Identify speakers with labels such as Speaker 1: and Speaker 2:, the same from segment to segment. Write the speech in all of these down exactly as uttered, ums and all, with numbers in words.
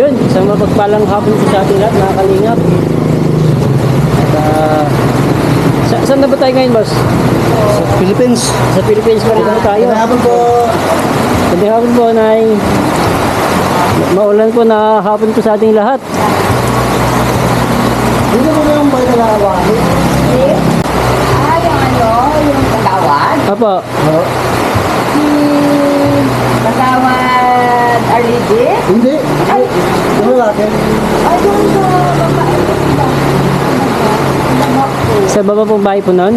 Speaker 1: Yun, isang mapagpalang hapon po sa ating lahat, mga kalingap. At uh, sa, saan na ba tayo ngayon, boss?
Speaker 2: Sa Philippines.
Speaker 1: Sa Philippines pa rin na tayo.
Speaker 2: Hapon po.
Speaker 1: Magandang hapon po, Nay. Maulan po na hapon po sa ating lahat.
Speaker 2: Hindi mo na yung bahay na nakawahin.
Speaker 3: Ah, yung ano, yung Patawad?
Speaker 1: Apo,
Speaker 2: Oo.
Speaker 3: Hmm, Patawad Arlidi?
Speaker 2: Hindi.
Speaker 3: Ay,
Speaker 2: Ano lalaki?
Speaker 3: ay, yung sa babae. Anak ko.
Speaker 1: sa baba pong bahay po noon.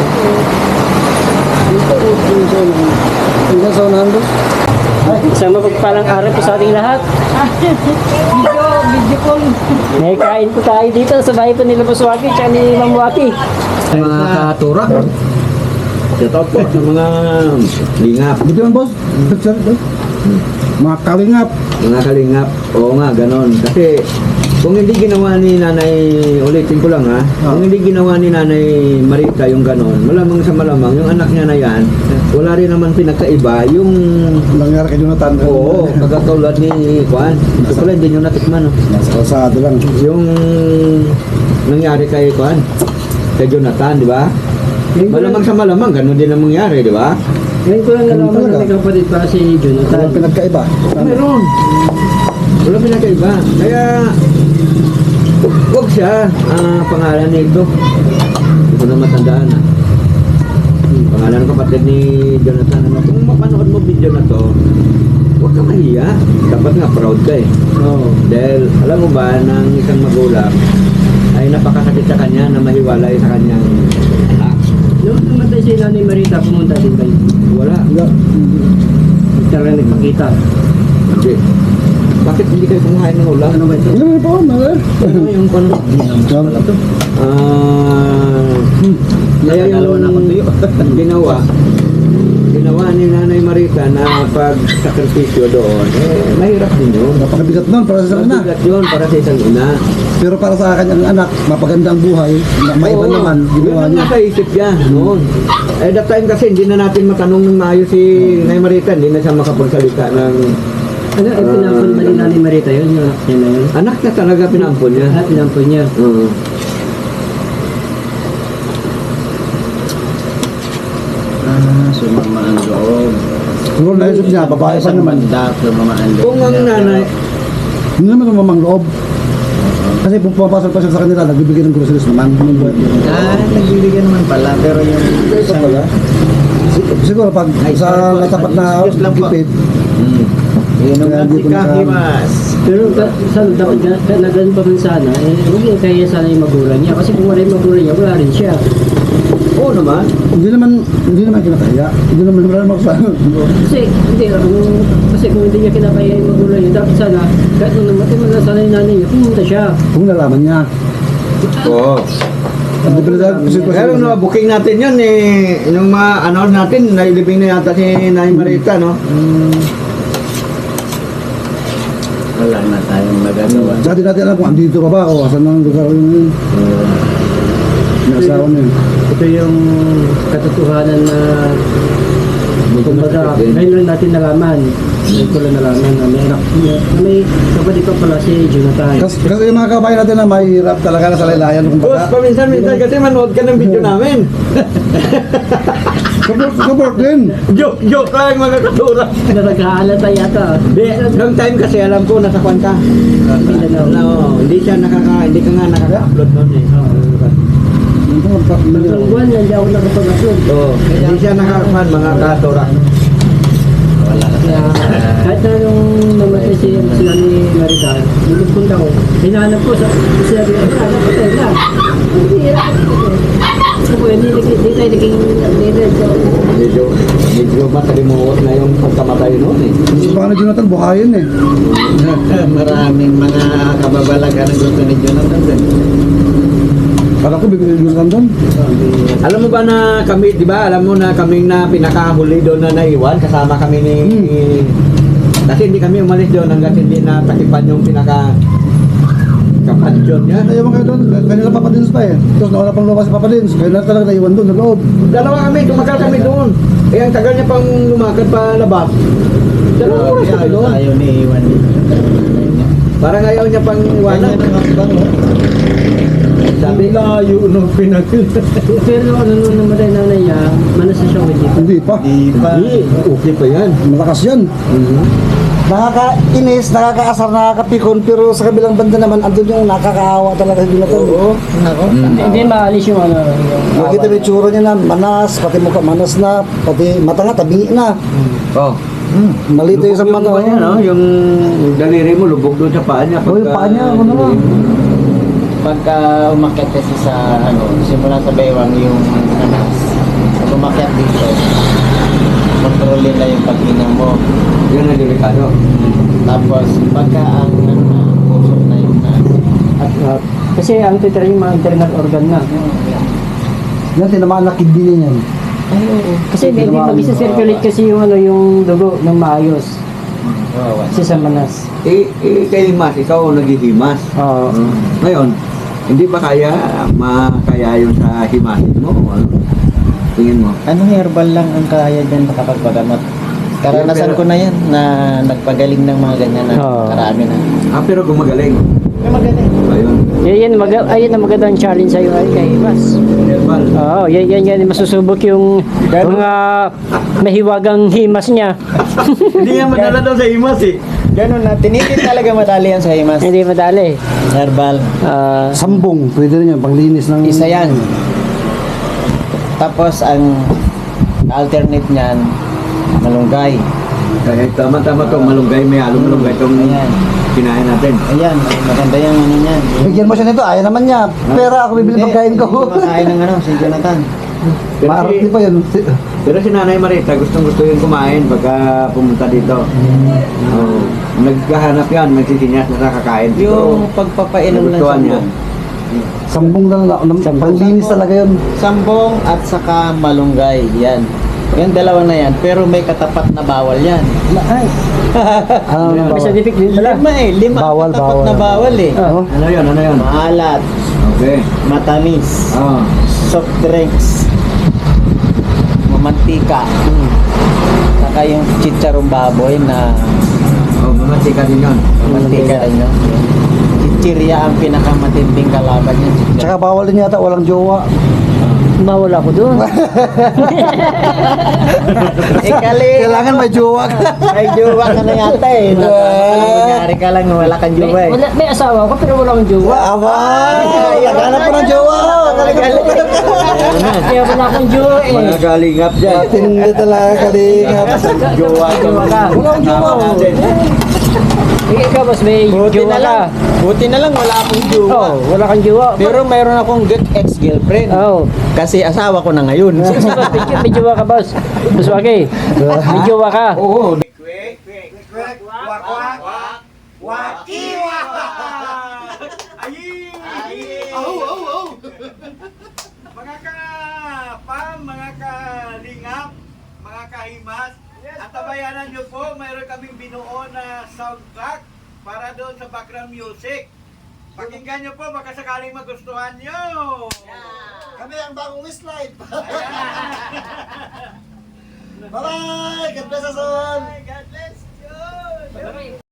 Speaker 2: Dito. Dito. Hanggang sa unahan doon.
Speaker 1: Isang mapagpalang araw po sa ating lahat.
Speaker 3: Video, video call.
Speaker 1: May kain po tayo dito sa bahay po nila Boss Waki at ni Ma'am Waki.
Speaker 4: Mga katura. Shout out po sa mga lingap.
Speaker 2: Dito yan, boss. Sir, ito. Mga kalingap.
Speaker 4: Mga kalingap. Oo nga, ganon. Kasi kung hindi ginawa ni Nanay, ulitin ko lang ha, kung hindi ginawa ni Nanay Marita yung ganon, malamang sa malamang, yung anak niya na yan, wala rin naman pinagkaiba. Yung,
Speaker 2: Ang nangyari kay Jonathan.
Speaker 4: oo, pagkatulad ni Juan. Ito pala, hindi nyo natikman. No?
Speaker 2: Nasa kalsada lang.
Speaker 4: Yung nangyari kay Juan, kay Jonathan, di ba? Malamang sa malamang, ganon din ang mangyari, di ba?
Speaker 1: Ngayon ko lang
Speaker 2: Ganun
Speaker 1: nalaman
Speaker 2: talaga.
Speaker 1: na may kapatid pa si Jonathan.
Speaker 2: Walang pinagkaiba.
Speaker 4: Meron. Wala pinakaiba. Kaya, huwag siya, ah, pangalan nito. Hindi ko na matandaan. Ah. Pangalan ng kapatid ni Jonathan. Ano, kung mapanood mo video na to, huwag ka mahiya. Dapat nga proud ka eh.
Speaker 1: Oo.
Speaker 4: Dahil, alam mo ba, ng isang magulang, ay napakasakit sa kanya na mahiwalay sa kanyang anak.
Speaker 1: Noong namatay si Nanay Marita, pumunta din kayo.
Speaker 4: Wala.
Speaker 1: Talaga nagpakita.
Speaker 4: Hindi. Bakit hindi kayo kumuhain ng ulam?
Speaker 1: Ano ba ito?
Speaker 2: Ano po, mga?
Speaker 4: Ano yung kano? Ah, kaya yung ginawa, ginawa ni Nanay Marita na pag-sakripisyo doon, eh, mahirap din yun.
Speaker 2: Napakabigat nun para sa ina.
Speaker 4: Mabigat yun para sa isang ina.
Speaker 2: Pero para sa kanyang anak, mapagandang buhay, na maiba
Speaker 4: Oo,
Speaker 2: naman, ginawa
Speaker 4: yun
Speaker 2: niya.
Speaker 4: ang nasa isip niya noon. Eh, that time kasi hindi na natin matanong ng maayos si Nanay Marita, hindi na siya makapagsalita ng
Speaker 1: Ano, eh, pinampun ba ni Nanay Marita yun? Yung anak niya na yun?
Speaker 4: anak niya talaga pinampun niya.
Speaker 1: At pinampun niya.
Speaker 4: Oo.
Speaker 5: Ah, sumama ang loob.
Speaker 2: Siguro naisip niya, babae pa
Speaker 5: Isang
Speaker 2: naman.
Speaker 5: banda, sumama ang loob.
Speaker 4: Kung ang nanay,
Speaker 2: Hindi naman mamang loob. Kasi kung pumapasok pa siya sa kanila, nagbibigay ng groceries naman.
Speaker 5: Ah, nagbibigyan naman pala, pero yung
Speaker 2: Ito pala. Si- Siguro pag
Speaker 5: Ay,
Speaker 2: sa
Speaker 5: sorry po.
Speaker 2: natapat na
Speaker 5: Excuse lang po.
Speaker 2: gipit,
Speaker 5: hmm. Inom
Speaker 2: Kaya
Speaker 5: lang
Speaker 2: hindi
Speaker 5: si
Speaker 2: ko na-
Speaker 5: Kahimas.
Speaker 1: Pero ka- sana dapat ga- ka- na ganun pa rin sana, eh, huwag yung kaya sana yung magulang niya. Kasi kung wala yung magulang niya, wala rin siya.
Speaker 4: oo naman,
Speaker 2: hindi naman hindi naman kinakaya. Hindi naman wala naman sa
Speaker 1: Kasi, hindi, kung, kasi kung hindi niya kinakaya yung magulang niya, dapat sana, kahit nung namatay man lang sana yung nanay niya, pumunta siya.
Speaker 2: kung nalaman niya.
Speaker 4: oo.
Speaker 2: Hindi pa dahil kasi
Speaker 4: Pero no, booking natin yun eh, yung mga ano natin, nailibing na yata si Nanay Marita, no?
Speaker 5: Wala na tayong magagawa.
Speaker 2: Sa atin natin alam kung andito pa ba o asan ang lugar yun. Inasawa niya.
Speaker 1: Ito yung katotohanan na, kumbaga, ngayon lang natin nalaman. Ngayon ko lang nalaman na may anak niya, na may kapatid pa pala si Jonathan.
Speaker 2: Kasi, kasi yung mga kabayan natin na mahirap talaga na sa laylayan. Kung
Speaker 4: Boss,
Speaker 2: baga,
Speaker 4: paminsan-minsan kasi manood ka ng video namin.
Speaker 2: support, support din.
Speaker 4: Joke, joke lang mga katura.
Speaker 1: Na nagkaalata yata.
Speaker 4: Di, noong time kasi alam ko nasa kwan ka.
Speaker 1: Mindanao.
Speaker 4: No, hindi siya nakaka, hindi ka nga nakaka-upload noon eh.
Speaker 1: Isang buwan, hindi ako nakapag-upload.
Speaker 4: Oo, hindi siya nakaka mga katura.
Speaker 5: Wala na
Speaker 1: Kaya,
Speaker 5: tayong
Speaker 1: kahit na nung namatay si sila ni Marita, nung punta ko, hinahanap ko sa sila ni Marita, napatay na. Hindi, hirap ko. Ako, hindi, hindi, hindi tayo naging updated. So,
Speaker 4: Medyo, medyo matalimuot na yung pagkamatay noon eh.
Speaker 2: Gusto pa ka na Jonathan, buhayin eh.
Speaker 5: maraming mga kababalaga na gusto ni Jonathan din.
Speaker 2: Kala ko bibigyan Jonathan doon.
Speaker 4: Alam mo ba na kami, di ba, alam mo na kaming na pinakahuli doon na naiwan, kasama kami ni... Kasi hindi kami umalis doon hanggang hindi natakipan yung pinaka... kapansyon niya.
Speaker 2: Naiwan kayo doon, kanila Papa Dins pa eh. Tapos nawala pang lupa si Papa Dins, kaya na talaga naiwan doon, sa loob.
Speaker 4: Dalawa kami, tumagal kami doon. Eh, ang tagal niya pang lumakad pa labas. Dalawang oras kami
Speaker 5: Ayaw,
Speaker 4: doon.
Speaker 5: ayaw ni Iwan.
Speaker 4: Parang ayaw niya pang iwanan.
Speaker 5: Ganyan ang hambang, no?
Speaker 4: Sabi,
Speaker 5: Layo nung pinag...
Speaker 1: Pero ano nung namatay nanay niya, manas na siya with it.
Speaker 2: Hindi pa.
Speaker 5: Di pa.
Speaker 4: hindi, okay pa yan.
Speaker 2: Malakas yan. Nakakainis, nakakaasar, nakakapikon, pero sa kabilang banda naman, andun yung nakakaawa talaga sa Jonathan.
Speaker 5: Oo. Nako.
Speaker 1: Hindi, hindi maalis yung ano. Yung,
Speaker 2: Nakita mo yung tsura niya na manas, pati mukha manas na, pati mata nga, tabi na.
Speaker 4: Oh.
Speaker 2: Malito yung sa
Speaker 4: Lubog
Speaker 2: mata.
Speaker 4: yung, ano, yung daliri mo, lubog doon sa paa niya.
Speaker 2: Oh, yung
Speaker 4: pagka-
Speaker 2: paa niya, ano naman.
Speaker 5: Pagka umakyat kasi sa ano, simula sa baywang yung nanas. Pag umakyat dito, kontrolin na yung pag-inom mo.
Speaker 4: Yun ang delikado.
Speaker 5: Tapos pagka ang ano na, usok na yung nas.
Speaker 1: at, at, kasi ang titira yung mga internal organ na.
Speaker 2: Yan, tinamaan na kidney niya yan.
Speaker 1: Ay, oo. Kasi hindi
Speaker 2: Tinamaan.
Speaker 1: mag-circulate kasi yung ano yung dugo ng maayos.
Speaker 5: Kawawa.
Speaker 1: Kasi sa manas.
Speaker 4: Eh, eh, kay Himas, ikaw ang naghihimas.
Speaker 1: Oo.
Speaker 4: Ngayon, hindi ba kaya makaya yun sa himasin mo? Ano? Tingin mo?
Speaker 5: Anong herbal lang ang kaya dyan makapagpagamot? Karanasan ko na yan na nagpagaling ng mga ganyan na
Speaker 1: Oo.
Speaker 5: karami na.
Speaker 4: Ah, pero gumagaling.
Speaker 5: May magaling.
Speaker 4: Ayun.
Speaker 1: Yan, yan, mag ayun ang magandang challenge sa'yo ay kay Mas.
Speaker 4: Herbal.
Speaker 1: Oo, yan, yan, yan, masusubok yung mga mahiwagang himas niya.
Speaker 4: Hindi nga madala daw sa himas eh.
Speaker 5: Ganun na, tinitin talaga madali yan sa himas.
Speaker 1: Hindi madali.
Speaker 5: Herbal.
Speaker 1: Ah,
Speaker 2: Sambong, pwede rin yan, panglinis ng...
Speaker 5: Isa yan. Tapos ang alternate niyan, malunggay.
Speaker 4: Kaya tama-tama to, malunggay, may halong malunggay itong
Speaker 5: Ayan.
Speaker 4: kinain natin.
Speaker 5: Ayan, maganda yung ano niyan.
Speaker 2: Bigyan mo siya nito, ayaw naman niya. Pera ako bibili
Speaker 5: Hindi,
Speaker 2: pagkain ko.
Speaker 5: hindi makain ng ano, si Jonathan.
Speaker 4: Pero
Speaker 2: Maarap
Speaker 4: si,
Speaker 2: din pa yun.
Speaker 4: pero si Nanay Marita, gustong gusto yung kumain pagka pumunta dito. Oh, naghahanap yan, magsisinyas na nakakain.
Speaker 5: Yung pagpapainom ng
Speaker 4: Nagustuhan niya.
Speaker 5: sambong.
Speaker 2: Sambong lang, lang panglinis talaga yun.
Speaker 5: Sambong at saka malunggay, yan. Yung dalawa na yan, pero may katapat na bawal yan.
Speaker 1: ay,
Speaker 2: Ano
Speaker 1: may
Speaker 2: na bawal?
Speaker 1: scientific din pala.
Speaker 5: Lima eh, lima
Speaker 2: Bawal,
Speaker 5: katapat
Speaker 2: bawal.
Speaker 5: na bawal eh.
Speaker 2: Oh.
Speaker 4: Ano yun, ano yun?
Speaker 5: Maalat,
Speaker 4: Okay.
Speaker 5: matamis,
Speaker 4: Oh.
Speaker 5: soft drinks, mamantika, saka yung chicharong baboy na
Speaker 4: Oh, mamantika din yun.
Speaker 5: mamantika rin yun. Chichirya ang pinakamatinding kalaban niya.
Speaker 2: Tsaka bawal din yata, walang jowa.
Speaker 1: Bawal ako doon.
Speaker 5: Ikali,
Speaker 2: Kailangan may jowa ka.
Speaker 5: may jowa ka na yata eh. Nangyari ka lang, wala kang
Speaker 1: May,
Speaker 5: jowa eh.
Speaker 1: wala, may asawa ko pero wala akong jowa.
Speaker 2: Abay! Naghanap po ng jowa.
Speaker 1: Kaya wala akong jowa eh.
Speaker 4: Mga kalingap dyan.
Speaker 2: Tindi talaga kalingap.
Speaker 1: Jowa, jowa ka.
Speaker 2: Wala akong jowa.
Speaker 1: Eh, ikaw boss, may
Speaker 5: Buti
Speaker 1: jowa
Speaker 5: na
Speaker 1: ka.
Speaker 5: lang. Buti na lang wala akong jowa.
Speaker 1: Oh, wala kang jowa.
Speaker 5: Pero mayroon akong good ex-girlfriend.
Speaker 1: Oh.
Speaker 5: Kasi asawa ko na ngayon.
Speaker 1: Sige, boss, may, may jowa ka boss. Boss Waki, may jowa ka.
Speaker 4: Oo.
Speaker 6: Mga ka-pam, mga kalingap, mga kahimas, at tabayanan nyo po, mayroon kaming binuo na soundtrack para doon sa background music. Pakinggan nyo po, baka sakaling magustuhan nyo.
Speaker 2: Kami ang bagong Westlife. Bye-bye! God bless us all!
Speaker 6: God bless you!